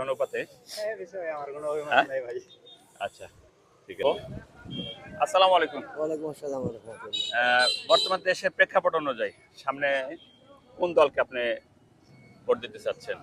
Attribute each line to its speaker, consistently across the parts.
Speaker 1: অনুপাতে?
Speaker 2: এই বিষয়ে আমার কোনো অভিমত
Speaker 1: হ্যাঁ?
Speaker 2: নাই ভাই।
Speaker 1: আচ্ছা, ঠিক আছে। আসসালামু আলাইকুম।
Speaker 2: ওয়ালাইকুম আসসালাম ওয়া রাহমাতুল্লাহ।
Speaker 1: বর্তমান দেশের প্রেক্ষাপট অনুযায়ী সামনে কোন দলকে আপনি ভোট দিতে চাচ্ছেন?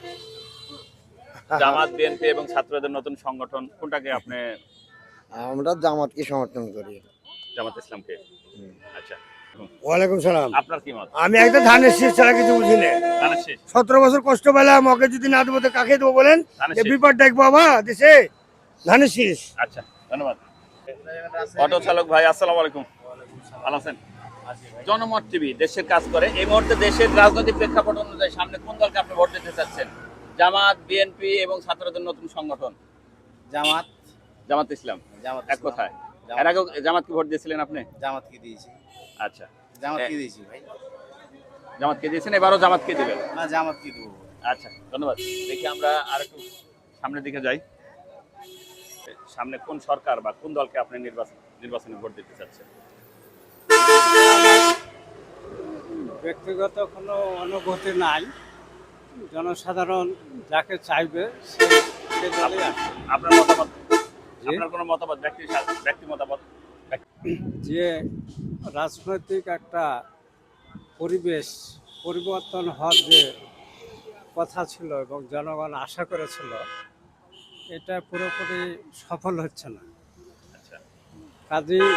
Speaker 1: জামাত, বিএনপি এবং ছাত্রদের নতুন সংগঠন কোনটাকে আপনি?
Speaker 2: আমরা জামাতকে সমর্থন করি।
Speaker 1: জামাত ইসলামকে। আচ্ছা।
Speaker 2: ওয়ালাইকুম সালাম।
Speaker 1: আপনার কি মত?
Speaker 2: আমি একটা ধানের শীষ ছাড়া কিছু বুঝি না।
Speaker 1: ধানের শীষ।
Speaker 2: 17 বছর কষ্ট পেলাম, ওকে যদি না দেবো তো কাকে দেবো বলেন?
Speaker 1: ধানের
Speaker 2: যে
Speaker 1: শীষ।
Speaker 2: বিপদ দেখবো বাবা দেশে, ধানের শীষ।
Speaker 1: আচ্ছা, ধন্যবাদ। অটো চালক ভাই, আসসালামু আলাইকুম। ভালো আছেন? জনমত টিভি দেশের কাজ করে। এই মুহূর্তে দেশের রাজনৈতিক প্রেক্ষাপট অনুযায়ী সামনে কোন দলকে আপনি ভোট দিতে চাচ্ছেন? জামাত, বিএনপি এবং ছাত্রদের নতুন সংগঠন?
Speaker 3: জামাত
Speaker 1: জামাত ইসলাম।
Speaker 3: জামাত
Speaker 1: এক কথায়। এর আগেও জামাতকে ভোট দিয়েছিলেন আপনি?
Speaker 3: জামাতকে দিয়েছি
Speaker 1: আচ্ছা,
Speaker 3: জামাতকে দিয়েছি ভাই।
Speaker 1: জামাতকে দিয়েছেন, এবারও জামাতকে দিবেন?
Speaker 3: না জামাতকে দেবো।
Speaker 1: আচ্ছা, ধন্যবাদ। দেখি আমরা আর একটু সামনের দিকে যাই। সামনে কোন সরকার বা কোন দলকে আপনি নির্বাচনে ভোট দিতে চাচ্ছেন?
Speaker 4: ব্যক্তিগত কোনো অনুভূতি নাই, জনসাধারণ যাকে চাইবে সে দলই আসে।
Speaker 1: আপনার মতামত? আপনার কোনো মতামত, ব্যক্তি মতামত?
Speaker 4: যে রাজনৈতিক একটা পরিবেশ পরিবর্তন হওয়ার যে কথা ছিল এবং জনগণ আশা করেছিল, এটা পুরোপুরি সফল হচ্ছে না।
Speaker 1: আচ্ছা,
Speaker 4: কাজেই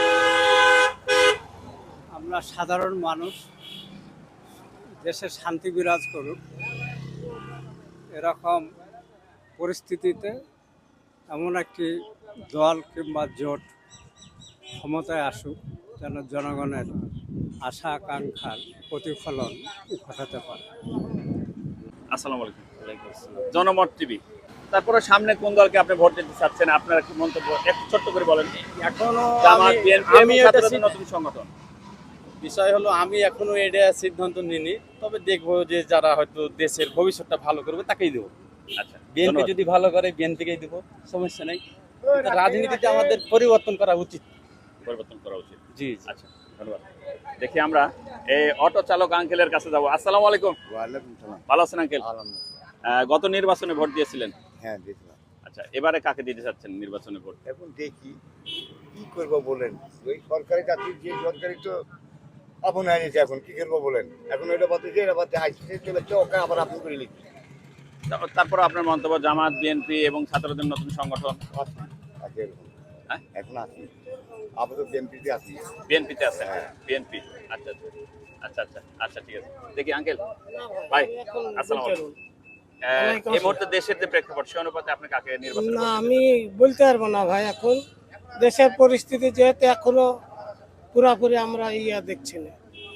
Speaker 4: আমরা সাধারণ মানুষ, দেশে শান্তি বিরাজ করুক এরকম পরিস্থিতিতে এমন একটি দল কিংবা জোট ক্ষমতায় আসুক যেন জনগণের আশা আকাঙ্ক্ষার প্রতিফলন ঘটাতে পারে।
Speaker 1: আসসালামু আলাইকুম। জনমত টিভি। তারপরে সামনে কোন দলকে আপনি ভোট দিতে চাচ্ছেন? আপনার কি মন্তব্য একটু ছোট্ট করে বলেন।
Speaker 3: এখনো
Speaker 1: জামাত, বিএনপি এবং
Speaker 3: আমি
Speaker 1: ছাত্রদের নতুন সংগঠন?
Speaker 3: বিষয় হলো আমি এখনো এটা সিদ্ধান্ত নিইনি, তবে দেখবো যে যারা হয়তো দেশের ভবিষ্যৎটা ভালো করবে তাকেই দেবো।
Speaker 1: আচ্ছা,
Speaker 3: বিএনপি
Speaker 1: ধন্যবাদ।
Speaker 3: যদি ভালো করে বিএনপিকেই দেবো, সমস্যা নেই। রাজনীতিতে আমাদের পরিবর্তন করা উচিত।
Speaker 1: পরিবর্তন করা উচিত।
Speaker 3: জি
Speaker 1: আচ্ছা, ধন্যবাদ। দেখি আমরা এই অটো চালক আঙ্কেলের কাছে যাবো। আসসালামু আলাইকুম।
Speaker 2: ওয়ালাইকুম সালাম।
Speaker 1: ভালো আছেন আঙ্কেল?
Speaker 2: আলহামদুলিল্লাহ।
Speaker 1: গত নির্বাচনে ভোট দিয়েছিলেন?
Speaker 2: হ্যাঁ দেখলাম।
Speaker 1: আচ্ছা, এবারে কাকে দিতে চাচ্ছেন নির্বাচনে ভোট?
Speaker 5: এখন দেখি কি করবো বলেন। ওই সরকারি চাকরি যে সরকারি তো আপন হয়ে গেছে, এখন কি করবো বলেন। এখন ওইটা বাদে যে এটা বাদে আইসিসি চলেছে, ওকে আবার আপন করে লিখি
Speaker 1: তারপর আপনার মন্তব্য জামাত, বিএনপি এবং ছাত্রদের নতুন সংগঠন?
Speaker 5: আছি আগে এরকম।
Speaker 1: হ্যাঁ?
Speaker 5: এখন আছি আপাতত বিএনপিতে আছি।
Speaker 1: বিএনপিতে আছে?
Speaker 5: হ্যাঁ।
Speaker 1: বিএনপি। আচ্ছা আচ্ছা আচ্ছা আচ্ছা, ঠিক আছে। দেখি আঙ্কেল ভাই, আসসালামু আলাইকুম। এই মুহূর্তে দেশের যে প্রেক্ষাপট সে অনুপাতে আপনি কাকে নির্বাচন
Speaker 6: না,
Speaker 1: করতে
Speaker 6: আমি বলতে পারবো না ভাই। এখন দেশের পরিস্থিতি যেহেতু এখনো পুরাপুরি আমরা দেখছি না,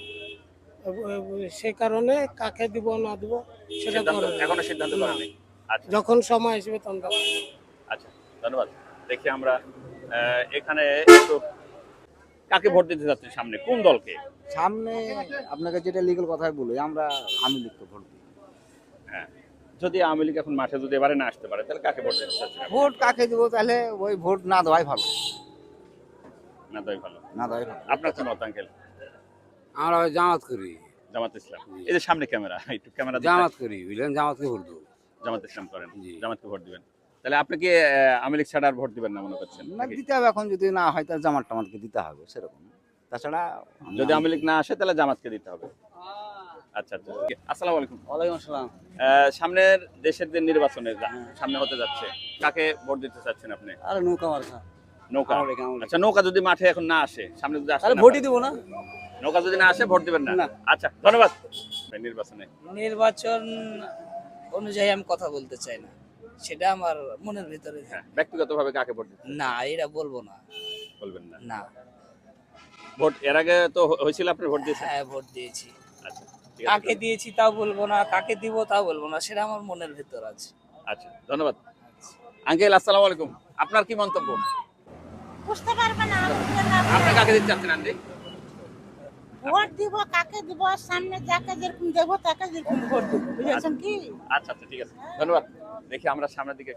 Speaker 6: সে কারণে কাকে দিব না দিব সেটা
Speaker 1: এখনো সিদ্ধান্ত
Speaker 6: না।
Speaker 1: করেনি? আচ্ছা
Speaker 6: যখন সময় আসবে তখন
Speaker 1: আচ্ছা, ধন্যবাদ। দেখি আমরা এখানে একটু কাকে ভোট দিতে যাচ্ছেন সামনে, কোন দলকে?
Speaker 2: সামনে আপনাকে যেটা লিগ্যাল কথাই বলি, আমরা আমি লিখতে ভোট দিই।
Speaker 1: হ্যাঁ, যদি আওয়ামী লীগ এখন মাঠে যদি এবারে না আসতে পারে তাহলে কাকে ভোট দিতে চাচ্ছেন?
Speaker 2: ভোট কাকে দেবো? তাহলে ওই ভোট না দেওয়াই ভালো।
Speaker 1: না তাই ভালো।
Speaker 2: না দেওয়াই ভালো।
Speaker 1: আপনার কি মত আঙ্কেল?
Speaker 7: আমরা ওই জামাত করি,
Speaker 1: জামাত ইসলাম। এই যে সামনে ক্যামেরা, একটু ক্যামেরা
Speaker 7: জামাত করি, বুঝলেন, জামাতকে ভোট দেবো।
Speaker 1: জামাত ইসলাম করেন?
Speaker 7: জি।
Speaker 1: জামাতকে ভোট দিবেন। তাহলে আপনি কি আওয়ামী লীগ ছাড়া আর ভোট দিবেন না মনে করছেন?
Speaker 2: না দিতে হবে, এখন যদি না হয় তাহলে জামাত টামাতকে দিতে হবে সেরকম। তাছাড়া
Speaker 1: যদি আওয়ামী লীগ না আসে তাহলে জামাতকে দিতে হবে। আচ্ছা আচ্ছা, আসসালামু আলাইকুম।
Speaker 3: ওয়ালাইকুম আসসালাম।
Speaker 1: সামনের দেশের যে নির্বাচনে সামনে হতে যাচ্ছে, কাকে ভোট দিতে চাচ্ছেন আপনি?
Speaker 3: আরে নৌকা মার্কা।
Speaker 1: নৌকা?
Speaker 3: আওয়ামী লীগ, আওয়ামী লীগ।
Speaker 1: আচ্ছা, নৌকা যদি মাঠে এখন না আসে, সামনে যদি আসে
Speaker 3: তাহলে
Speaker 1: না
Speaker 3: ভোটই
Speaker 1: পারে?
Speaker 3: দেবো না।
Speaker 1: নৌকা যদি না আসে ভোট দিবেন না?
Speaker 3: না।
Speaker 1: আচ্ছা, ধন্যবাদ। নির্বাচনে
Speaker 8: নির্বাচন অনুযায়ী আমি কথা বলতে চাই না, সেটা আমার মনের ভিতরে
Speaker 1: হ্যাঁ, ব্যক্তিগতভাবে কাকে ভোট দিতে
Speaker 8: না, এটা বলবো না।
Speaker 1: বলবেন না?
Speaker 8: না,
Speaker 1: ভোট এর আগে তো হয়েছিল, আপনি ভোট দিয়েছেন?
Speaker 8: হ্যাঁ ভোট দিয়েছি।
Speaker 1: আচ্ছা, ঠিক আছে।
Speaker 8: কাকে দিয়েছি তাও বলবো না, কাকে দিব তাও বলবো না, সেটা আমার মনের ভিতর আছে।
Speaker 1: আচ্ছা, ধন্যবাদ। আঙ্কেল আসসালামু আলাইকুম। আপনার কি মন্তব্য?
Speaker 9: বুঝতে পারবে না
Speaker 1: আপনি কাকে দিতে চাচ্ছেন আন্টি?
Speaker 9: ভোট দিব, কাকে দিব, সামনে যাকে যেরকম দেবো তাকে যেরকম ভোট দিব, বুঝেছেন কি?
Speaker 1: আচ্ছা আচ্ছা, ঠিক আছে, ধন্যবাদ। দেখি আমরা সামনের দিকে